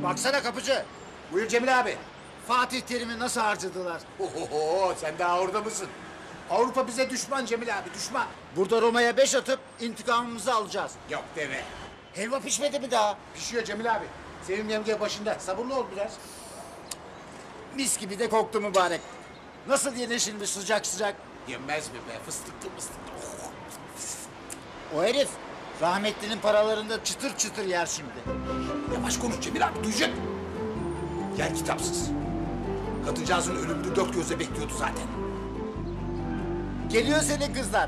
Baksana kapıcı. Buyur Cemil abi. Fatih Terim'i nasıl harcadılar? Oho, sen daha orada mısın? Avrupa bize düşman Cemil abi, düşman. Burada Roma'ya 5 atıp intikamımızı alacağız. Yok deme. Helva pişmedi mi daha? Pişiyor Cemil abi. Sevim yenge başında. Sabırlı ol biraz. Mis gibi de koktu mübarek. Nasıl yenir şimdi sıcak sıcak? Yenmez mi be? Fıstıklı fıstıklı. Oh. O herif rahmetlinin paralarında çıtır çıtır yer şimdi. Yavaş konuş Cemil abi, duyacak. Yer kitapsız. Kadıncağızın ölümünü dört gözle bekliyordu zaten. Geliyor senin kızlar.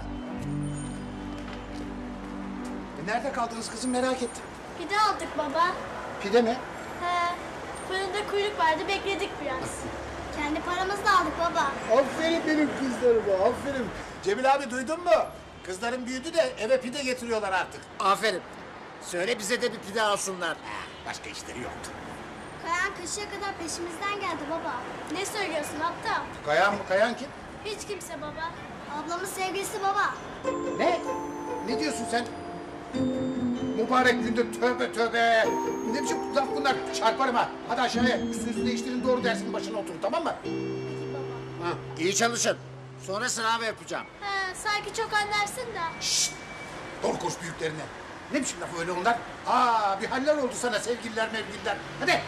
Nerede kaldınız kızım, merak ettim. Pide aldık baba. Pide mi? He. Fırında kuyruk vardı, bekledik biraz. Kendi paramızla aldık baba. Aferin benim kızlarıma, aferin. Cemil abi duydun mu? Kızların büyüdü de eve pide getiriyorlar artık. Aferin. Söyle bize de bir pide alsınlar. Başka işleri yoktu. Kayan kışa kadar peşimizden geldi baba. Ne söylüyorsun aptal? Kayan mı? Kayan kim? Hiç kimse baba. Ablamın sevgilisi baba. Ne? Ne diyorsun sen? Mübarek günde tövbe tövbe. Ne biçim laf bunlar? Çarparım ha. Hadi aşağıya. Üstünüzü değiştirin, doğru dersinin başına oturun, tamam mı? Peki baba. Ha. İyi çalışın. Sonra sınav yapacağım. He, sanki çok anlarsın da. Şşt! Doğru koş büyüklerine. Ne biçim laf öyle onlar? Aa, bir haller oldu sana sevgililer mevgililer. Hadi.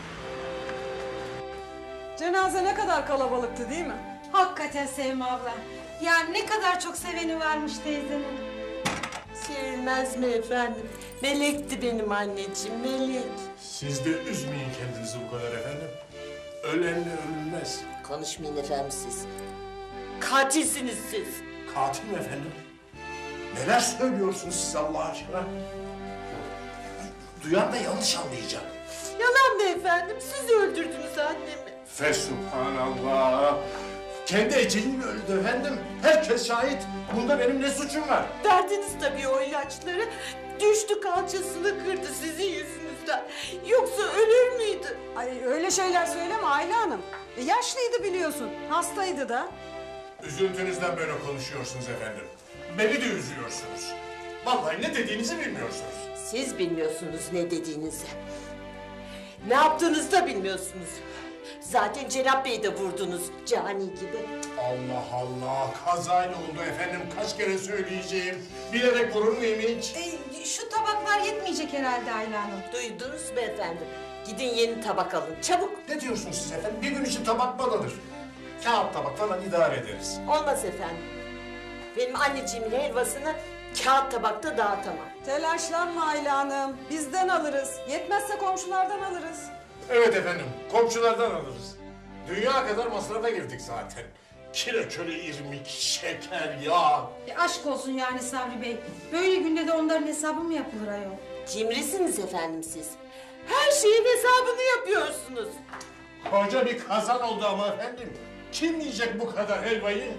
Cenaze ne kadar kalabalıktı değil mi? Hakikaten Sevim abla. Yani ne kadar çok seveni varmış teyzenin. Sevilmez mi efendim? Melekti benim anneciğim, melek. Siz de üzmeyin kendinizi bu kadar efendim. Ölenle ölünmez. Konuşmayın efendim siz. Katilsiniz siz. Katil mi efendim? Neler söylüyorsunuz siz Allah aşkına? Duyan da yanlış anlayacak. Yalan be efendim, siz öldürdünüz annemi. Fesubhanallah. Kendi eceliyle öldü efendim. Herkes şahit. Bunda benim ne suçum var? Verdiniz tabii o ilaçları. Düştü kalçasını kırdı sizin yüzünüzden. Yoksa ölür müydü? Ay öyle şeyler söyleme Ayla Hanım. Yaşlıydı biliyorsun, hastaydı da. Üzüntünüzden böyle konuşuyorsunuz efendim. Beni de üzüyorsunuz. Vallahi ne dediğinizi bilmiyorsunuz. Siz bilmiyorsunuz ne dediğinizi. Ne yaptığınızı da bilmiyorsunuz. Zaten Cenap Bey'i de vurdunuz cani gibi. Allah Allah, kazayla oldu efendim. Kaç kere söyleyeceğim. Bilerek vurur muyum hiç? Şu tabaklar yetmeyecek herhalde Ayla Hanım. Duydunuz mu efendim? Gidin yeni tabak alın, çabuk. Ne diyorsunuz siz efendim? Bir gün için tabak mı alınır? Kağıt tabak falan idare ederiz. Olmaz efendim. Benim anneciğimin helvasını kağıt tabakta dağıtamam. Telaşlanma Ayla Hanım, bizden alırız. Yetmezse komşulardan alırız. Evet efendim, komşulardan alırız. Dünya kadar masrafa girdik zaten. Kireçöre, irmik, şeker, yağ. Aşk olsun yani Sabri Bey. Böyle günde de onların hesabı mı yapılır ayol? Cimrisiniz efendim siz. Her şeyin hesabını yapıyorsunuz. Koca bir kazan oldu ama efendim. Kim yiyecek bu kadar helvayı?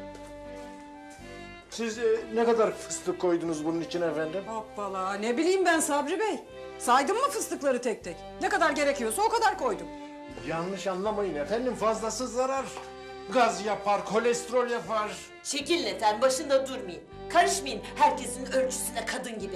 Siz ne kadar fıstık koydunuz bunun için efendim? Hoppala, ne bileyim ben Sabri Bey. Saydın mı fıstıkları tek tek? Ne kadar gerekiyorsa o kadar koydum. Yanlış anlamayın efendim, fazlası zarar. Gaz yapar, kolesterol yapar. Çekilin efendim, başında durmayın. Karışmayın herkesin ölçüsüne kadın gibi.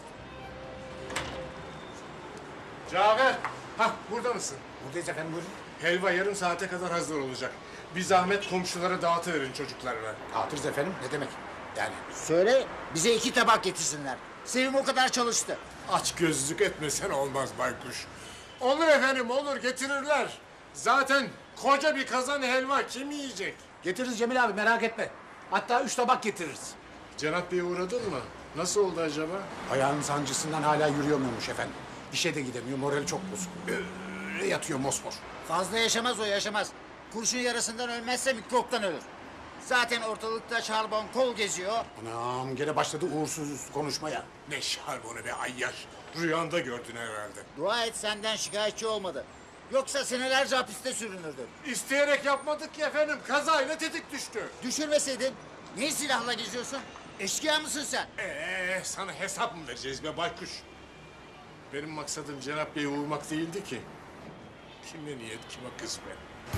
Cafer, hah burada mısın? Buradayız efendim, buyurun. Helva yarım saate kadar hazır olacak. Bir zahmet komşulara dağıtıverin çocuklarına. Dağıtırız efendim, ne demek? Yani Söyle bize 2 tabak getirsinler. Sevim o kadar çalıştı. Aç gözlük etmesen olmaz baykuş. Olur efendim, olur, getirirler. Zaten koca bir kazan helva kim yiyecek? getiririz Cemil abi, merak etme. Hatta 3 tabak getiririz. Cenap Bey'e uğradın mı? Nasıl oldu acaba? Ayağının sancısından hala yürüyemiyormuş efendim. İşe de gidemiyor, morali çok bozuk. Öyle yatıyor mosmor. Fazla yaşamaz o yaşamaz. Kurşun yarasından ölmezse mikroptan ölür. Zaten ortalıkta şarbon kol geziyor. Anam gene başladı uğursuz konuşmaya. Ne şarbonu be ayyaş. Rüyanda gördün herhalde. Dua et senden şikayetçi olmadı. Yoksa senelerce hapiste sürünürdün. İsteyerek yapmadık ki efendim. Kazayla tetik düştü. Düşürmeseydin niye silahla geziyorsun? Eşkıya mısın sen? Sana hesap mı vereceğiz be baykuş? Benim maksadım Cenap Bey'i vurmak değildi ki. Kime niyet, kime kısmet.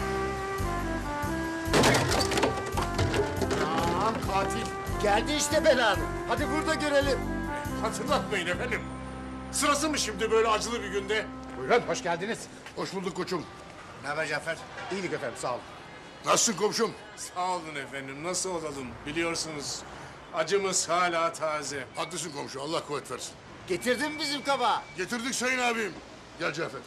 Aman katil. Geldi işte belanı. Hadi burada görelim. Hatırlatmayın efendim. Sırası mı şimdi böyle acılı bir günde? Buyurun, hoş geldiniz. Hoş bulduk koçum. Ne haber Cafer? İyilik efendim, sağ olun. Nasılsın komşum? Sağ olun efendim. Nasıl olalım? Biliyorsunuz acımız hala taze. Haklısın komşu. Allah kuvvet versin. Getirdin mi bizim kabağı? Getirdik sayın abim. Gel Cafer.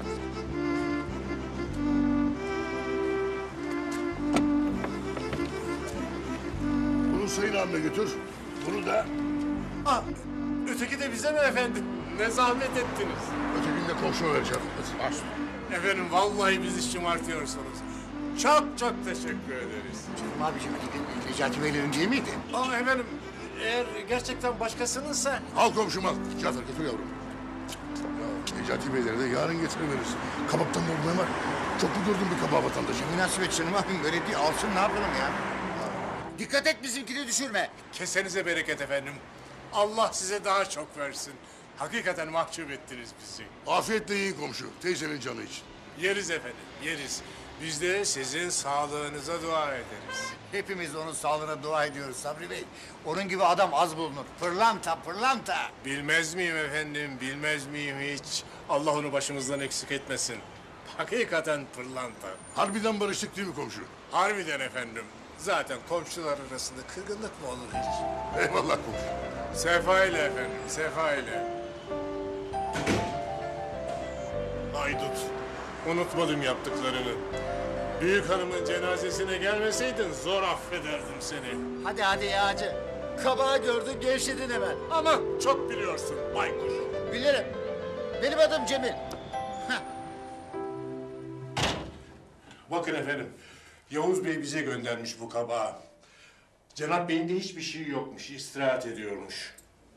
Bunu sayın abime götür. Bunu da... Öteki de bize mi efendim? Ne zahmet ettiniz. Ötekini de komşuma vereceğim. Hadi. Efendim vallahi bizi şımartıyorsunuz. Çok çok teşekkür ederiz. Abiciğim Necati Bey'lerin değil miydi? Ama efendim eğer gerçekten başkasınınsa Al komşum al. Cafer getir yavrum. Ya Necati Beyleri de yarın getirebiliriz. Kabaktan da olmayan var. Çok mu gördün bir kabağı vatandaşı? Münasebet canım abim böyle değil. Alsın ne yapalım ya? Dikkat et bizimkini düşürme. kesenize bereket efendim. Allah size daha çok versin. Hakikaten mahcup ettiniz bizi. Afiyetle yiyin komşu. Teyzenin canı için. Yeriz efendim, yeriz. Biz de sizin sağlığınıza dua ederiz. Hepimiz onun sağlığına dua ediyoruz Sabri Bey. Onun gibi adam az bulunur. Pırlanta, pırlanta. Bilmez miyim efendim, bilmez miyim hiç? Allah onu başımızdan eksik etmesin. Hakikaten pırlanta. Harbiden barıştık değil mi komşu? Harbiden efendim. Zaten komşular arasında kırgınlık mı olur hiç? Eyvallah komşu. Sefa ile efendim, sefa ile. Haydut, unutmadım yaptıklarını. Büyük hanımın cenazesine gelmeseydin zor affederdim seni. Hadi hadi ya hacı. Kabağı gördün gevşedin hemen. Ama çok biliyorsun baykuş. Bilirim. Benim adım Cemil. Bakın efendim, Yavuz Bey bize göndermiş bu kabağı. Cenap Bey'in de hiçbir şey yokmuş, istirahat ediyormuş.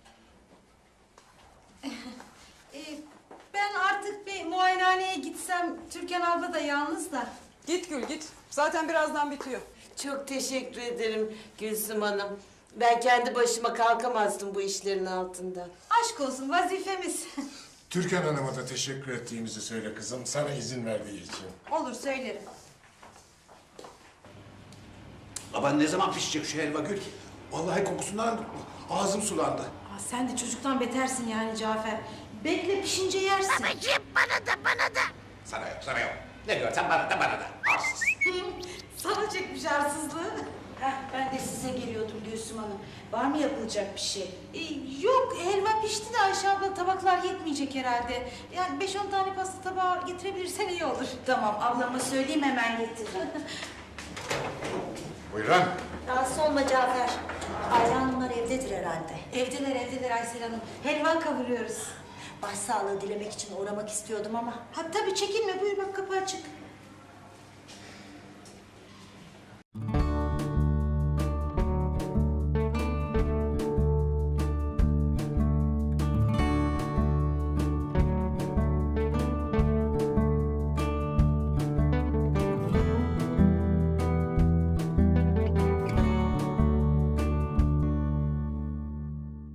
Ben artık bir muayenehaneye gitsem, Türkan abla da yalnız da. Git Gül git. Zaten birazdan bitiyor. Çok teşekkür ederim Gülsüm Hanım. Ben kendi başıma kalkamazdım bu işlerin altında. Aşk olsun, vazifemiz. Türkan Hanım'a da teşekkür ettiğimizi söyle kızım, sana izin verdiği için. Olur, söylerim. Baban ne zaman pişecek şu helva Gül? Vallahi kokusundan ağzım sulandı. Aa, sen de çocuktan betersin yani Cafer. Bekle, pişince yersin. Sana yok, sana yok. Ne diyorsan bana da. Arsız. Sana çekmiş arsızlığı. Heh, ben de size geliyordum Gülsüm Hanım. Var mı yapılacak bir şey? Yok, helva pişti de Ayşe abla tabaklar yetmeyecek herhalde. Yani 5-10 tane pasta tabağı getirebilirsen iyi olur. Tamam, ablama söyleyeyim hemen getiririm. Buyurun. Rahatsız olma Cafer. Ayla Hanımlar evdedir herhalde. Evdeler Aysel Hanım. Helva kavuruyoruz. Başsağlığı dilemek için uğramak istiyordum ama. Ha tabii çekinme, buyur bak kapı açık.